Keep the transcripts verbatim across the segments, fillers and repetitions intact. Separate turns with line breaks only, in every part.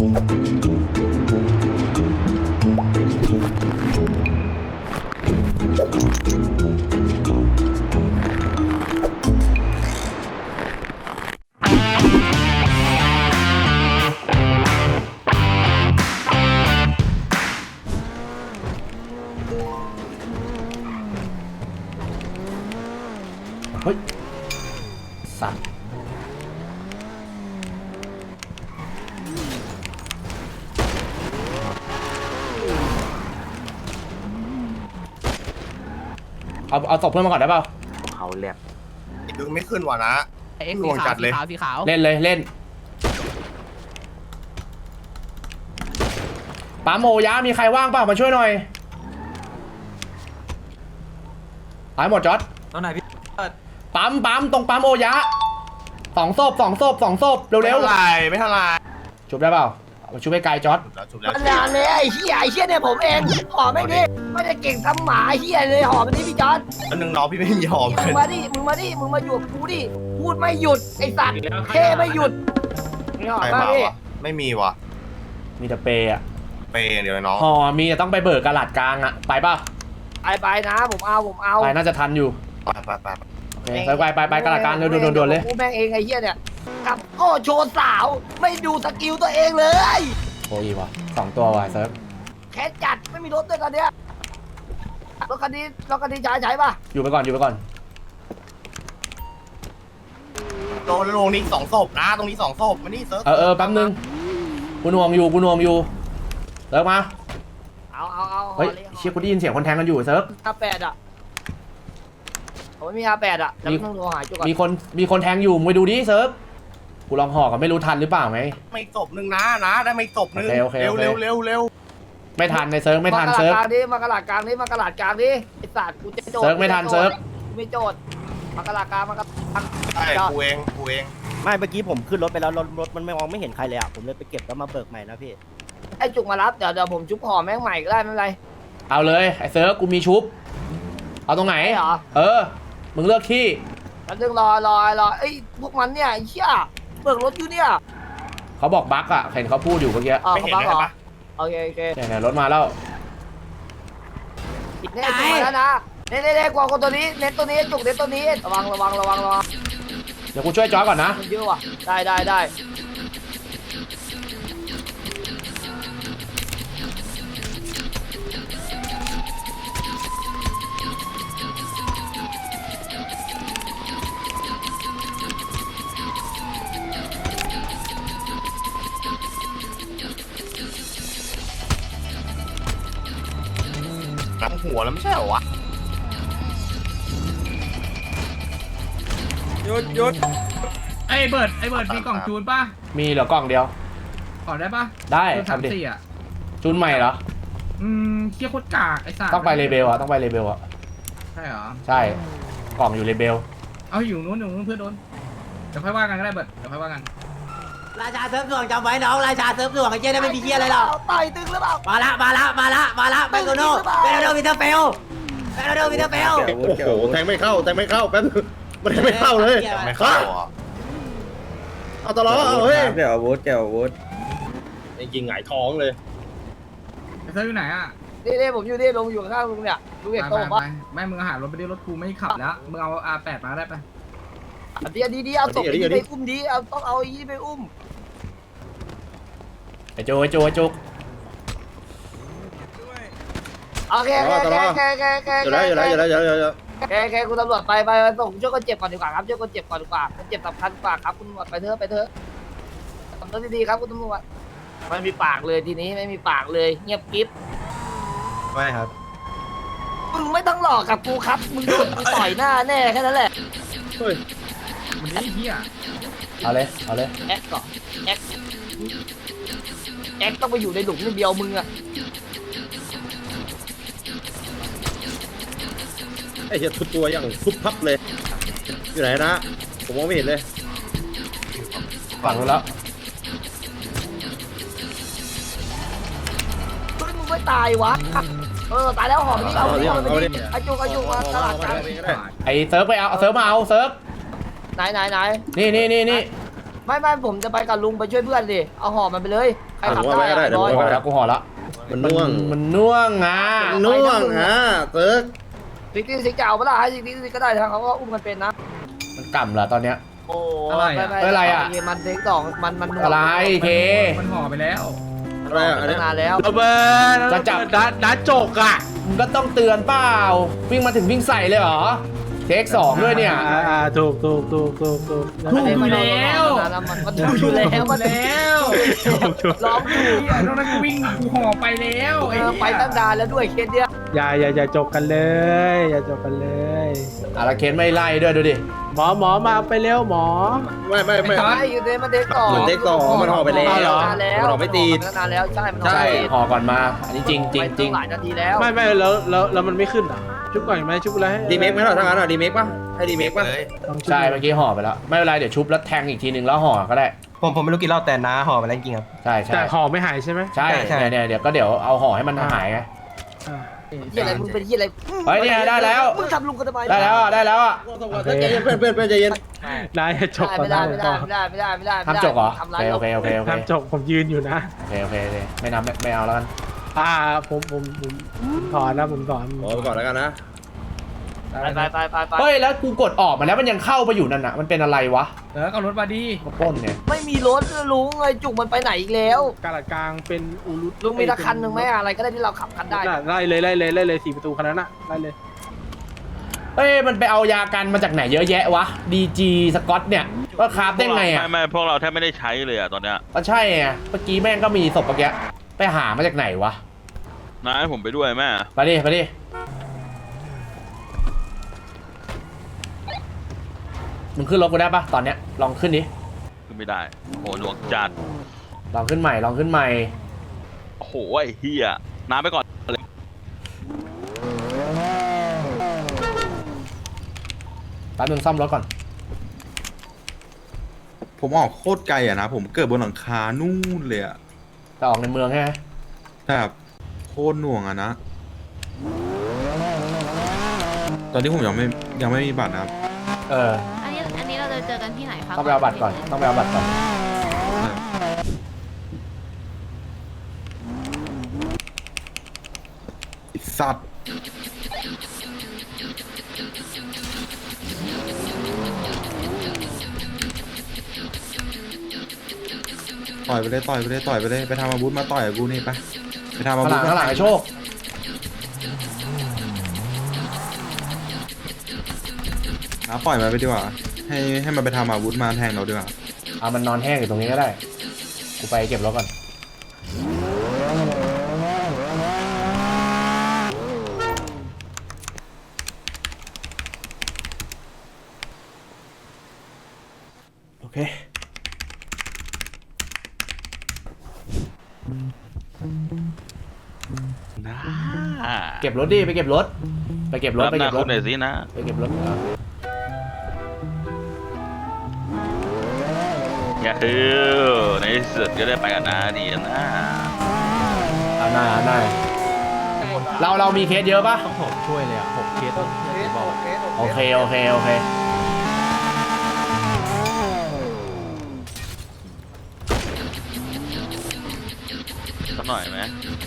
เฮ้ยสัตว์เอาเอาศพเพื่อนมาก่อนได้เปล่าเขาเรียก
ดึงไม่ขึ้นว่ะนะลวงจัดเลยสีขาว
เล่นเลยเล่นป๋าโมยะมีใครว่างเปล่ามาช่วยหน่อยหายหมดจอดตรงไหนพี่ปั๊มปั๊มตรงปั๊มโอยะสองศพสองศพสองศพเร็วเร็ว
ไม่เท่าไรไม่เท่าไร
ชุบได้เปล่าชุบไปไกลจอด
มันนานเลยไอ้เหี้ยไอ้เหี้ยเนี่ยผมเองหอมไม่ดิไม่ได้เก่งทำหมาไอ้เหี้ยเลยหอมมันนี่พี่จอน
แล้วนึงน้องพี่ไม่มีหอม
มึงมาดิมึงมาดิมึงมาหยุดกูดิพูดไม่หยุดไอ้สัตว์เท่ไม่หยุดนี่หอม
ใคร
มาม
าก
ดิ
วะไม่มีวะ
มีแต่เปย์อะ
เปย์เดี๋ยวน้อง
ห่อมีแต่ต้องไปเบิกกระหลัดกลางอะไปป่ะ
ไปไปนะผมเอาผมเอา
ไปน่าจะทันอยู่
ไปไปไป
โอเคไปไปไปไปกระหลัดกลางเร็วโดนๆเลย
กูแม่งเองไอ้เหี้ยเนี่ยกับโอ้โชว์สาวไม่ดูสกิลตัวเองเลย
โอ้ยวะสองตัววะเซิร์ฟ
แค่จัดไม่มีรถด้วยตอนเนี้ยรถคันนี้รถคันนี้ใช้ใช้ป่ะ
อยู่ไปก่อนอยู่ไปก่อน
โดนลงนี่สองศพนะตรงนี้สองศพมานี่เซิร์ฟ
เออเออแป๊บนึงกูหน่วงอยู่กูหน่วงอยู่เซิร์ฟมา
เอาเอาเอา
เฮ้ยเชี่ยกูได้ยินเสียงคนแทงกันอยู่เซิร์ฟ
อาแปดอ่ะผมไม่มีอาแปดอ่ะแล้วต้องโทรหาจุกก่อน
มีคนมีคนแทงอยู่มึงไปดูดิเซิร์ฟกูลองห่อกับไม่รู้ทันหรือเปล่าไง
ไม่ศพหนึ่งนะนะได้ไม่ศพหนึ่ง
โอเคโอเค
เร็ว
โอเค
เร็วเร็วเร็ว
ไม่ทันในเซิร์ฟไม่ทัน
มากระ
เซิร์ฟ
ดาษกลางดิมากระดาษกลางดิมากระดาษกลางดิไอ้สัตว์กูจะโจทย์
เซิร์ฟไม่ทันเซิร์ฟ
กูไม่โจทย์มากระดาษกลางมากระดาษกลาง
ใช่กูเองกูเอง
ไม่เมื่อกี้ผมขึ้นรถไปแล้วรถรถมันไม่มองไม่เห็นใครเลยอ่ะผมเลยไปเก็บแล้วมาเบิกใหม่นะพี่
ไอ้จุกมารับเดี๋ยวเดี๋ยวผมชุบห่อแม่งใหม่ก็ได้ไม่เป็นไร
เอาเลยไอ้เซิร์ฟกูมีชุบเอาตรงไหน
ไอ้เหรอ
เออมึงเลือกที่
แล้วนึงรอรอรอไอ้พวกมันเนี่ยไอ้เชี่ยเบิกรถอยู่เนี่ย
เขาบอกบั๊กอะเห็นเขาพูดอยู่เมื่อกี้
อ๋อ
ไม่
เขา
เห็น
บัง
เล
เหร
ย
อ
ปะ
โอเคโอเค
เนี่ยเนี่ยรถมาแล้ว
เนี่ยจุกมาแล้วนะเน่เน่เน่กว่าคนตัวนี้เน้นตัวนี้จุกเน้นตัวนี้ระวังระวังระวังระวัง
เดี๋ยวกูช่วยจอร์จก่อนนะ
มันเยอะว่ะได้ได้ได้
หลังหัวแล้วไม่ใช่เหรอวะ
หยุดหยุดไอ้เบิร์ดไอ้เบิร์ดมีกล่องจูนป่ะ
มีเหลือกล่องเดียว
ขอได้ป่ะ
ได้
จูนสาม
ทำดิ
สี่อ่ะ
จูนใหม่เหรอ
อืมเคี้ยโคตรกากไอ้สัตว์
ต้องไปเลเบลอะต้องไปเลเบลอะ
ใช่เหรอ
ใช่กล่องอยู่เลเบล
เอาอยู่นู้นอยู่นู้นเพื่อนโดนเดี๋ยวค่อยว่ากันก็ได้เบิร์ดเดี๋ยวค่อยว่ากัน
ราชาเซิร์ฟหน่วงจำไว้น้องราชาเซิร์ฟหน่วงไอ้เจ๊ได้ไม่มีเหี้ยอะไรหรอก
ต่อยตึงหรือเปล่า
มาละมาละมาละมาละไปโกโน่ไปโกโน่วิเทอร์เฟลไปโกโน่วิเทอร์เฟล
โอ้โหแทงไม่เข้าแทงไม่เข้าแป๊บมันแทงไม่เข้าเลย
ไม่เข้าอ่ะ
เอาตลอดเอาเฮ้ย
เดี๋ยวอาวุธเดี๋ยวอาวุธ
จริงๆหงายท้องเลย
ไอ้เซิร์ฟอยู่ไหนอ่ะ
นี่นี่ผมอยู่นี่ลงอยู่ข้างลุงเนี่ยลุง
ไป
เห็น
ไป
โต๊ะ
ไป
ปะ
ไม่มึงหารถไปดิรถกูไม่ขับแล้วมึงเอา อาร์ แปด มาได้ปะ
ดีดีดีเอาศพไปไปอุ้มดีเอาต้องเอาไอ้ยี่ไปอุ้ม
ไอ้โจไอ้โจไอ้โจ
โอเคโอเคโอเคโอเคโอเค
อยู่แล้วอยู่แล้วอยู่แล้วอยู่แล้วอยู่แล้ว
โอเคโอเคคุณตำรวจไปไปส่งช่วยคนเจ็บก่อนดีกว่าครับช่วยคนเจ็บก่อนดีกว่าคนเจ็บสำคัญกว่าครับคุณตำรวจไปเถอะไปเถอะทำตัวดีๆครับคุณตำรวจไม่มีปากเลยทีนี้ไม่มีปากเลยเงียบกิ๊บ
ไม่ครับ
มึงไม่ต้องหลอกกับกูครับมึงโดนกูต่อยหน้าแน่แค่นั้นแหละ
เฮ้ย
มันนี่เหี้ย
เอาเลยเอาเลย
แอ็กก่อนแอ็กแอ็กต้องไปอยู่ในหลุมนิดเดียวมึงอะ
ไอ้เหี้ยทุบตัวอย่างทุบพับเลยอยู่ไหนนะผมมองไม่เห็นเลย
ฝั่งนู้นแล้ว
เฮ้ยมึงไม่ตายวะเออตายแล้วหอมนี่เอาดิเอาดิไอจุกไอจุกมาตลาดกลาง
ไอ้เซิร์ฟไปเอาเอาเซิร์ฟมาเอาเซิร์ฟ
ไหนไหนไหน
นี่นี่นี่นี่
ไม่ไม่ผมจะไปกับลุงไปช่วยเพื่อนดิเอาหอมมันไปเลยใครใครขับ
ผมว่าไว้ก็ได้
ได้
เดี๋ยวผม
กูห่อ
ว่า
แล้วกูห่อแล้ว
มันน่วง
มันน่วงอ่ะ
มันน่วงอ่ะเติร์ก
ซิกตี้ซิกจะเอาเปล่าให้ซิกตี้ซิกก็ได้ทั้งเขาก็อุ้มกันเป็นนะ
มันกล่ำเหรอตอนเนี้ย
โอ้
อะไรอะ
ม่ม่
อะไรอะ
มันเทคสองมันมันหน่วง
อะไรเค
มันห่อไปแล้ว
อะไรอ่ะอัน
ตั้
นี้
งนานแล้ว
ระเบิด
จะจับ
นัดนัดจกอ่ะ
มึงก็ต้องเตือนเปล่าวิ่งมาถึงวิ่งใส่เลยเหรอเทคสองด้วยเนี่ย
อ่าอ่าถูกถูกถูกถูกถูก
ถูกอยู่แล้ว
มันมันถูกอยู่แล้วมัน
แล้ว
ร้องอยู่
เฮียตรงนั้นกูวิ่งกูห่อไปแล้วไอ้
เออ
เหี้ย
ไปตั้งนานแล้วด้วยเคสเนี้ย
อย่าอย่าอย่าจกกันเลย อย่าจกกันเลย
อาราเคนไม่ไล่ด้วยดูดิ
หมอหมอมาไปเร็วหมอ
ไม่ไม่ไม่
ใช่อยู่ในมันเทคสอง
เหมือนเทคสองมันห่อไปแล้ว
มันนานแล้ว
มันห่อไม่ติด
นานแล้วใช่มัน
ใช่
ห่อไม่ติด
ห่อก่อนมาอันนี้จริงจริงจริง
ไปตั้หลายนาทีแล้ว
ไม่ไม่แล้วแล้วแล้วมันไม่ขึ้นอ่ะชุบก่อนไหมชุบอะไรให้
ดีเมคไหมเหรอถ้างั้นอ่ะดีเมคป่ะให้ดีเมคป่ะ
เลย
ลองชุบ
ใช่เมื่อกี้ห่อไปแล้วไม่เป็นไรเดี๋ยวชุบแล้วแทงอีกทีนึงแล้วห่อก็ได้
ผมผมไม่รู้กี่รอบแต่น้าห่อไปแล้วจริงครับ
ใช่ใช่
แต่ห่อไม่หายใช่ไหม
ใช่
ใช่
เนี่ยเนี่ยเดี๋ยวก็เดี๋ยวเอาห่อให้มันหายไง
อ่า
เฮียอะไรมึงเป็นเฮียอะไร
เฮ้ยเนี่ยได้แล้ว
มึงทำลุงกันทำไม
ได้แล้วอ่ะได้แล้วอ่ะ
ใจเย็นเพื่อนเพื่อนเพื่อนใจเย็น
นายอย่าจกก่อน
ไม่ได้
นะ
ไม่ได้ไม่ได้ไม่ได้ไม่ได้ไม่ได้
ทำจกเหรอ
ทำ
โอ
ร้าย
เค
เรา
โอเคโอเคโอเค
ทำจกผมยืนอยู่นะ
โอเคโอเคโอเคไม่นับไม่ไม่เอาแล้วกัน
อ่าผมผมผมผมถอนนะผมถอน
ขอไปก่อนแล้วกันนะ
ไปไปไปไปไป
เฮ้ยแล้วกูกดออกมาแล้วมันยังเข้าไปอยู่นั่นน่ะมันเป็นอะไรวะ
เออเอารถมาดี
มาปล้นเนี่ย
ไม่มีรถลุงไอ้จุกมันไปไหนอีกแล้ว
กาลาดกลางเป็นอูรุ
ลุงมีละคันหนึ่งไหมอะไรก็ได้ที่เราขับคันได้
น่ะไล่เลยไล่เลยไล่เลยสี่ประตูคันนั้นน่ะไล่เลย
เอ้ยมันไปเอายากันมาจากไหนเยอะแยะวะดีจีสกอตเนี่ยว่าคราฟได้ไงอ่ะ
ไม่ไม่พวกเราแทบไม่ได้ใช้เลยอ่ะตอนเนี้ย
ก็ใช่ไงเมื่อกี้แม่งก็มีศพเมื่อกี้ไปหามาจากไหนวะ
น้าให้ผมไปด้วยแม่
ไปดิไปดิมึงขึ้นรถกูได้ปะตอนเนี้ยลองขึ้นดิ
คือไม่ได้โอ้หลวงจัด
ลองขึ้นใหม่ลองขึ้นใหม่
โอ้โหไอ้เฮียน้าไปก่อนเลย
แป๊บนึงซ่อมรถก่อน
ผมออกโคตรไกลอะนะ ผมเกิดบนหลังคานู่นเลยอะ
จะออกในเมืองใช่ไหม
แบบโคตรหน่วงอะนะ ตอนนี้ผมยังไม่ยังไม่มีบัตรนะครับ
เออ
อันนี้อันนี้เราจะเจอกันที่ไหนครับ
ต้องไปเอาบัตรก่อนต้องไปเอาบัตรก่อน
ไอ้สัตว์ต่อยไปเลยต่อยไปเลยต่อยไปเลยไปทำอาวุธมาต่อยกับกูนี่ไปไปทำอา
ข้างห
วุ
ลั
ธ
งข้างหลังไอ้โชค
นะปล่อยมันไปดีกว่าให้ให้มันไปทำอาวุธมาแทงเราดีกว่า
เอามันนอนแห้งอยู่ตรงนี้ก็ได้กูไปเก็บรถก่อนโอเค
น้า
เก็บรถดิไปเก็บรถไปเก็บรถ
รับ
ไป
หน้า
เก็บร
คุ
ถ
ณหน่อยสินะ
ไปเก็บรถเอา
อย่าคือในที่สุดก็ได้ไปกันนะดีนะ
เอาหน้าเอาหน้าเราเรามีเคสเยอะปะ
ต้องผมช่วยเลยอ่ะหกเคสต้องบอก
โอเคโอเคโอเค
สักหน่อยไหม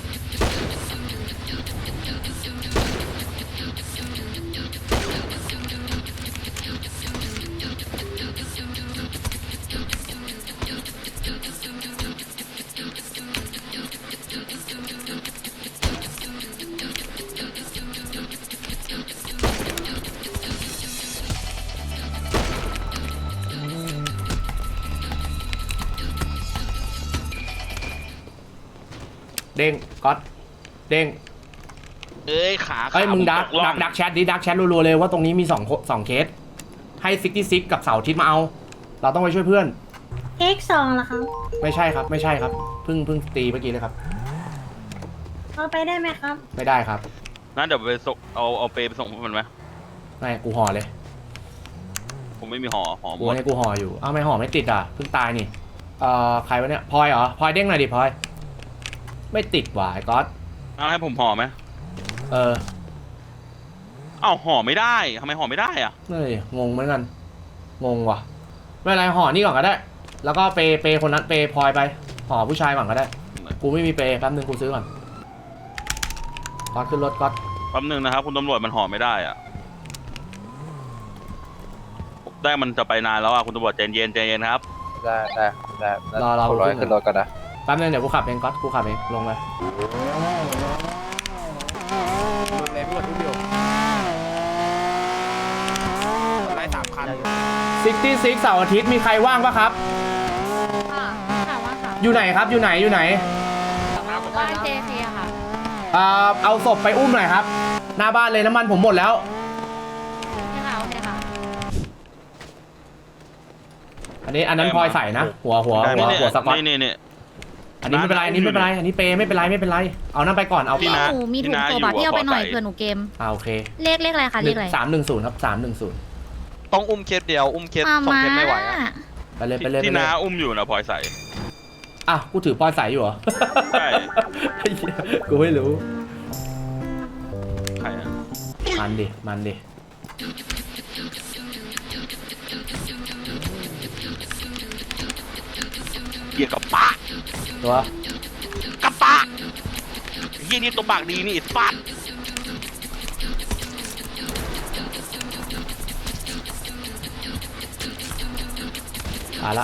เด้งก๊อตเด้ง
เอ้ยขา
เอ้ย
ขา
มึง
ผ
ดัก
ตล่อ
ดักดักแชทดิดักแชทรัวๆเลยว่าตรงนี้มีสองโคสองเคสให้ซิกตี้ซิกกับเสาร์อาทิตย์มาเอา เราต้องไปช่วยเพื่อน
เอ็กสองเหรอคะ
ไม่ใช่ครับไม่ใช่ครับเพิ่งเพิ่งตีเมื่อกี้เลยครับ
เอาไปได้ไหมครับ
ไม่ได้ครับ
นั่นเดี๋ยวไปส่งเอาเอาเปไปส่งพวกมันไหม
ไม่กูห่อเลย
ผมไม่มีห่อห่อห
กู
มด
ให้กูห่ออยู่อ้าวไม่ห่อไม่ติดอ่ะเพิ่งตายนี่เอ่อใครวะเนี่ยพลอยเหรอพลอยเด้งหน่อยดิพลอยไม่ติดว่ะไอ้ก๊อต
เอาให้ผมห่อไหม
เออ
เอ้าห่อไม่ได้ทำไมห่อไม่ได้อ่ะ
เฮ้ยงงเหมือนกันงงว่ะไม่เป็นไรห่อนี่ก่อนก็ได้ แล้วก็เปเปคนนั้นเปพลอยไปห่อผู้ชายก่อนก็ได้กูไม่มีเปย์แป๊บนึงกูซื้อก่อนก๊อตขึ้นรถก๊อต
แป๊บนึงนะครับคุณตำรวจมันห่อไม่ได้อ่ะได้มันจะไปนานแล้วอ่ะคุณตำรวจใจเย็นใจเย็นครับ
ได้ได้ได้
รอรอ
ร้อย
ขึ้
ขึ้
น
นรถก่อนนะ
แป๊บนึงเดี๋ยวกูขับเองก๊อตกูขับเองลงเลย
เลยพี่กดทุกเดียวไล่สามคัน
ซิกตี้ซิกเสาร์อาทิตย์มีใครว่างปะครับ
ค่ะค่ะว่าค่ะ
อยู่ไหนครับอยู่ไหนอยู่ไหน
บ้านเจเคค่ะ
อ่าเอาศพไปอุ้มหน่อยครับหน้าบ้านเลยน้ำมันผมหมดแล้ว
นี่ค่ะโอเคค่ะ
อันนี้อันนั้นพลอยใส่นะหัวหัวหัวหัวสก๊อต
นี่นี่นี่
อันนี้ไม่เป็นไรอันนี้ไม่เป็นไรอันนี้เปย์ไม่เป็นไรไม่เป็นไรเอานั่นไปก่อนเอา
พี่นะ
หนูมีถุงโซบะที่เอาไปหน่อยเผื่อหนูเกม
อ่าโอเค
เลขเลขอะไรคะเลขอะไร
สามหนึ่งศูนย์ครับสามหนึ่งศูนย์
ต้องอุ้มเคสเดียวอุ้มเคส
มา
สอง
มา
เคสไม่ไหวอะ
ไปเลยไปเลยไป
ที่
เลย
น้าอุ้มอยู่นะพลอยใส่
อ่ะกูถือพลอยใส่อยู่เหรอ
ใช่
ไอ้เหี้ยกูไม่รู้
ใครอ่ะ
มันดิมันดิ
เกียร์กับปะ
ตัว
กับปะเฮียนี่ตัวปากดีนี่ไอ้ฟัด
ตายละ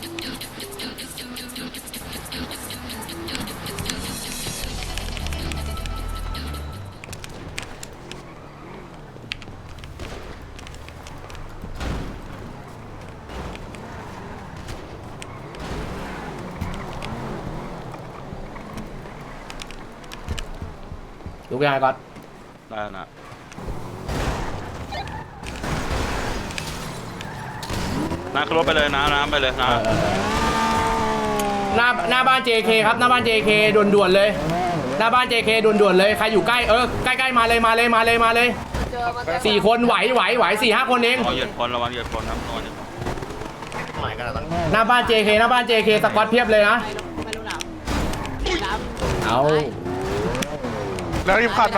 ลุกยังไงก่อน
ได้แล้วนะน้าขึ้นรถไปเลยนะน้ำไปเลยนะ
เออเออเออหน้าหน้าบ้าน เจ เค ครับหน้าบ้าน เจ เค ด่วนๆเลยหน้าบ้าน เจ เค ด่วนๆเลยใครอยู่ใกล้เออใกล้ๆมาเลยมาเลยมาเลยมาเลยสี่คนไหวไหวไหวสี่ห้าคนเอง
ระวังเหยียดคนระวังเหยียดคนครับระวังเหยียดคน
หน่อยกันแล้วตั้ง
หน้าบ้าน เจ เค หน้าบ้าน เจ เค สกอตเพียบเลยนะเอา
แล้วรีบขับมา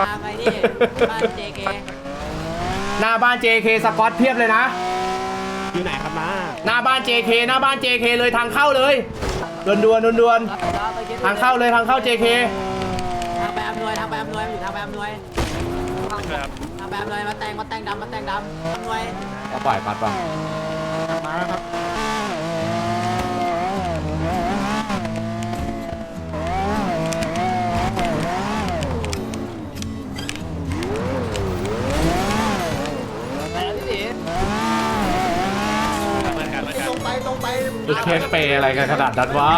หน้าบ้าน เจ เค สกอตเพียบเลยนะ
อยู่ไหนครับน้า
หน้าบ้าน เจ เค หน้าบ้าน เจ เค เลยทางเข้าเลยด่วนๆด่วนๆทางเข้าเลยทางเข้า เจ เค
ทางไปอำนวยทางไปอำนวยอยู่ทางไปอำนวยทางไปอำนวยมาแต่งมาแต่งดำมาแต่งดำอำนวย
ก็ปล่อยปัดป่ะ
มาแล้วครับ
ตรงไปตรงไป
คือเคสเปย์อะไรกันขนาดนั้นวะ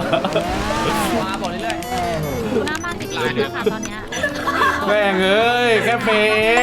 ดูหน้าบ้านติดๆนะคะตอนเนี้ย
แม่งเอ้ยแค่เปย์เอง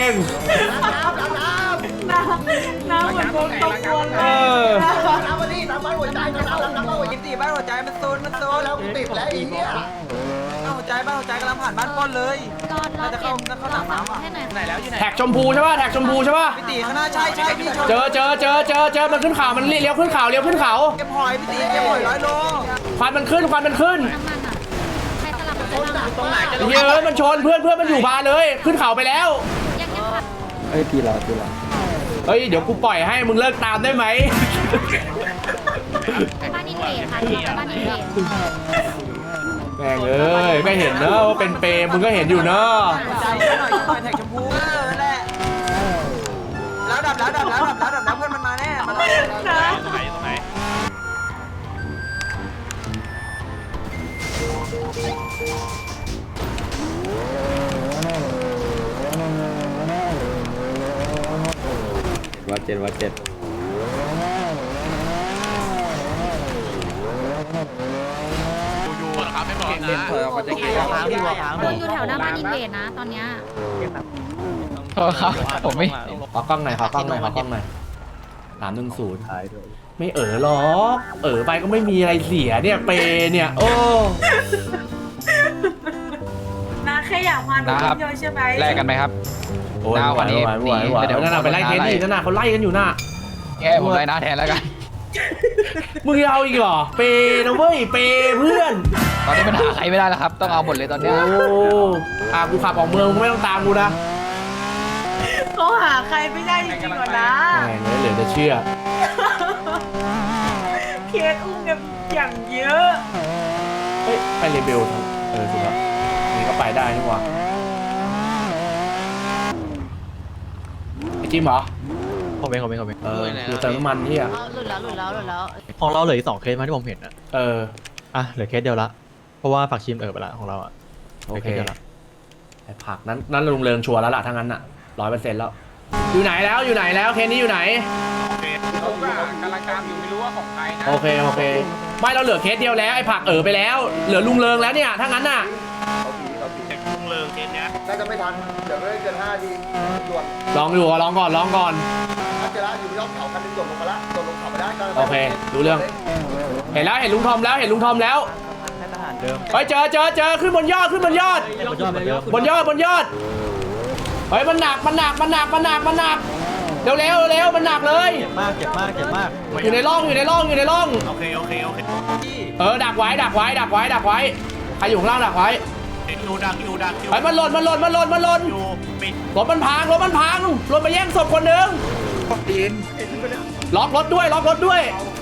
น้ำเหมือนวงตกวน
เออ
น้ำมาดิน้ำมาหัวใจน้ำน้ำน้ำมาหัวใจ
ตีบ้านหัวใจมันโซนมันโซน
แล้วติดแล้วอีเนี่ย
หัวใจบ้านหัวใจกำลังผ่านบ้านป้นเลย
ก็รอเปลี่ยนรอฝั่งให้หน่อย
ไหนแล้วอยู่ไหน
แท็กชมพูใช่ป่ะแท็กชมพูใช่ป่ะ
พี่ตีข้างหน้าใช่ใช่พี่ชม
เจอเจอเจอเจอเจอมันขึ้นเขามันเลี้ยวขึ้นเขาเลี้ยวขึ้นเขา
เก็บหอยพี่ตีเก็บหอยร้อยโล
ควันมันขึ้นควันมันขึ้น
น้ำมันอ่ะใครสลับกันไปบ้าง
ตรงไหนจะ
เฮ้ยมันชนเพื่อนเพื่อนมันอยู่บาร์เลย ขึ้นเขาไปแล้ว
ยังยังค่ะ
เอ้ยทีละทีละ
เฮ้ยเดี๋ยวกูปล่อยให้มึงเลิกตามได้ไหม
บ้านอินเวดค่ะที่เราไปบ้านอินเวด
แม่งเอ้ยก็เห็นเนอะว่าเป็นเปย์มึงก็เห็นอยู่เนอะ
ใจหน่อยหน่อยแท็กชมพูเออแหละแล้วดับแล้วดับแล้วดับแล้วดับแล้วเพื่อนมันมาแน่มาแล้ว
ตรงไหนตรงไหน
วัดเจ็ดวัดเจ็ด
เล่นถอยออกมาจากเกม
เราอยู่แถวหน้าบ้านอินเวดนะตอนเนี้ย
ครับผมไม่
ขอกล้องหน่อยขอกล้องหน่อยขอกล้องหน่อยสามหนึ่งศูนย์
ท้ายด้วย
ไม่เออหรอกเออไปก็ไม่มีอะไรเสียเนี่ยเปย์เนี่ยโอ้
นาแค่อยากมาดูเยอะใช่ไหม
แลกกันไหมครับ
โหวันนี้ไหวไหวนั่นน่ะไปไล่เคสดินั่นน่ะเขาไล่กันอยู่น่ะ
แก้ผมได้นะแทนแล้วกัน
มึงเอาอีกเหรอเปย์นะเว้ยเปย์เพื่อน
ตอนนี้มันหาใครไม่ได้แล้วครับ ต้องเอาหมดเลยตอนเนี้ย
โอ้อ่ะกูขับออกเมืองมึงไม่ต้องตามกูนะ
เขาหาใครไม่ได้จริงๆหรอนะ
แม่งเลยเหลือจะเชื่อ
เคสอุ้มกันอย่างเยอะ
ไม่เฮ้ยไปเรเบลทางเออถูกแล้วนี่ก็ไปได้นี่หว่าไอจิมเหรอ
ผมเองผมเองผมเอง
เออคือเติมน้ำมันที่อ่ะ
หลุดแล้วหลุดแล้วหลุดแล้ว
ของเราเหลืออีกสองเคสมาที่ผมเห็นอะ
เออ
อ่ะเหลือเคสเดียวละเพราะว่าฝักชิมเออไปละของเราอะ
โอเคไอ้ผักนั้นนั้นลุงเริงชัวร์แล้วล่ะทั้งนั้นอ่ะร้อยเปอร์เซ็นต์แล้วอยู่ไหนแล้วอยู่ไหนแล้วเคสนี้อยู่ไหน
กำลังตามอยู่ไม่รู้ว่าของใครนะ
โอเคโอเคไม่เราเหลือเคสเดียวแล้วไอ้ผักเออไปแล้วเหลือลุงเริงแล้วเนี่ยถ้างั้นน่ะ
ลุงเริงเจนเนี้ย
น่าจะไม่ทันเดี๋ยวไม่เกินห้าทีด่วน
ลองดูลองก่อนลองก่อน
ถ้าเจอแล้วอยู่ยอดเขาคันนึงโดดลงมาละโดดลงเขามาได้ก็
โอเครู้เรื่องเห็นแล้วเห็นลุงทอมแล้วเห็นลุงทอมแล้ว
ให้ทหารเดิม
ไปเจอเจอเจอขึ้นบนยอดขึ้นบนยอด
บนยอดเหมือนเดิม
บนยอดบนยอดเฮ้ยมันหนักมันหนักมันหนักมันหนักมันหนักเร็วเร็วเร็วมันหนักเลย
เจ็บมากเจ็บมากเจ็บมาก
อยู่ในร่องอยู่ในร่องอยู่ในร่อง
โอเคโอเคโอเค
เออดักไว้ดักไว้ดักไว้ดักไว้ใครอยู่ข้างล่างดักไว้
อยู่ดักอยู่ดักอยู่
เฮ้ยมันหล่นมันหล่นมันหล่นมันหล่น
อยู่ปิด
รถมันพังรถมันพังรถไปแย่งศพคนหนึ่งล็อกรถด้วยล็อกรถด้วย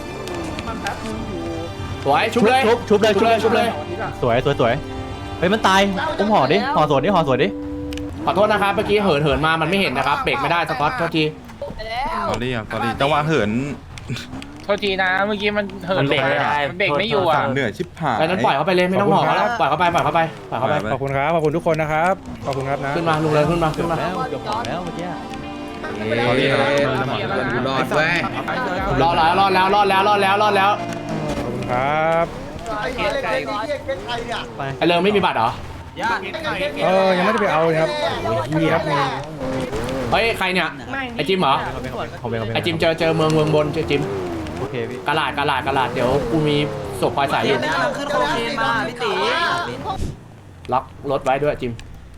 สวยชุบเลย
ชุบชุบเลย
ชุบเลยชุบเลย
สวยสวยสวยเฮ้ยมันตายอุ้มห่อดิห่อสวนดิห่อสวนดิ
ขอโทษนะครับเมื่อกี้เหินเหินมามันไม่เห็นนะครับเบรกไม่ได้สกอตโทษที
ไปแล้ว
สอรี่ครับสอรี่จังหวะเหิน
โทษทีนะเมื่อกี้มันเหินลงไปมันเบรกไม่อยู่อ่ะ
เหนื่อยชิบหาย
ไปนั้นปล่อยเขาไปเลยไม่ต้องห่อเขาแล้วปล่อยเขาไปปล่อยเขาไปปล่อยเขาไป
ไป
ขอบคุณครับ ขอบคุณทุกคนนะครับ ขอบคุณครับนะ
ขึ้นมาลุงเลยขึ้นมาขึ้นมา
แล้วเกือบห่อแล้วเมื่อกี้
สอรี่ครับ
รอดเว้ย
รอดแล้วรอดแล้วรอดแล้วรอดแล้วรอดแล้ว
ขอบคุณครับ
ไอ้เหี้ยเล็กๆนี่เล็กๆใครเนี่ย
ไป
ไอเริงไม่มีบัตรเหรอ
เออ ยังไม่ได้ไปเอาเลยครับมีครับมี
เฮ้ยใครเนี่ยไอจิมเหรอ
ผมเองผมเอง
ไอจิมเจอเจอเมืองเมืองบนเจอจิม
โอเคพี่
กระลาดกระลาดกระลาดเดี๋ยวกูมีศพคอยสายอยู่
ขึ้นโคเคนมาพี่ตี
ล็อกรถไว้ด้วยจิม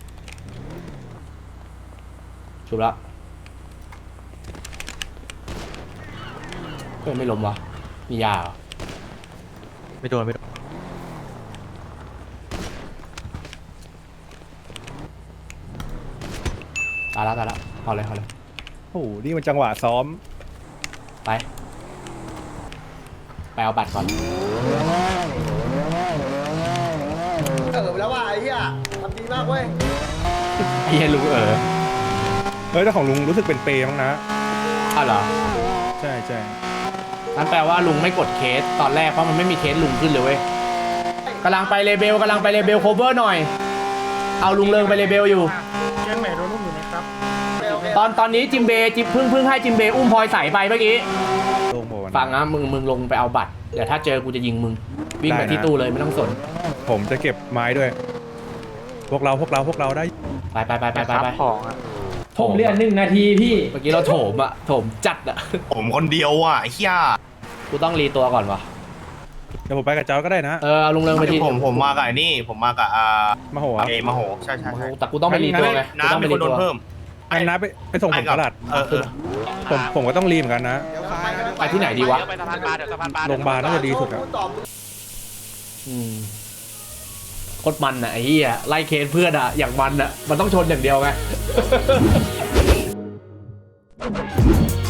ชุบแล้วเพื่อนไม่ล้มวะมียาเหรอ
ไม่โดนไม่โดน
ตายแล้วตายแล้วเอาเลยเอาเลย
โอ้โห นี่มันจังหวะซ้อม
ไปไปเอาบัตรก่อน
เออไปแล้วว่ะไอ้เหี้ยทำดีมากเว้ย
ไอ้เหี้ยลุงเออ
เฮ้ยแต่ของลุงรู้สึกเป็นเปย์มั้งนะ
อ้าวเหรอ
ใช่ใช่
นั่นแปลว่าลุงไม่กดเคสตอนแรกเพราะมันไม่มีเคสลุงขึ้นเลยเว้ยกำลังไปเลเบลกำลังไปเลเบลโคเวอร์หน่อยเอาลุงเริงไปเลเบลอยู่
เชียงใหม่โดนลูกอยู่นะครับ
ตอนตอนนี้จิมเบย์จิมเพิ่งเพิ่งให้จิมเบย์อุ้มพลอยใส่ไปเมื่อกี้
ลงโบน
ฟังนะมึงมึงลงไปเอาบัตรเดี๋ยวถ้าเจอกูจะยิงมึงวิ่งไปที่ตู้เลยไม่ต้องสน
ผมจะเก็บไม้ด้วย พวกเราพวกเราพวกเราได้
ไปไปไปไปไปไป
ของอ่ะ
ผมเรียนหนึ่งนาทีพี่เมื่อกี้เราโถมอะโถมจัดอะ
ผมคนเดียวอ่ะไอ้เหี้ย
กูต้องรีตัวก่อนวะ
เดี๋ยวผมไปกับเจ้าก็ได้นะ
เออเอาลุงเริงไปที
ผมผมมากับไอ้นี่ผมมากับอ่า
มาโหครับ
เอมาโหใช่ใช่ใช่
แต่กูต้องไปรีตัวไงกู
น้ำ
ต้อง
มี
ไป
ค
รี
นโด
ตั
น
ว
เพิ่ม
อันนะไปไปส่งผมตลาด
เออเออ
ผมผมก็ต้องรีเหมือนกันนะ
ไปที่ไหนดีวะ
ไปสะพานปลาเดี๋ยวสะพานปลา
โรงพยาบาลน่าจะดีสุดอะ
อืมโคตรมันอะไอ้เหี้ยไล่เคสเพื่อนอะอย่างมันอะมันต้องชนอย่างเดียวไง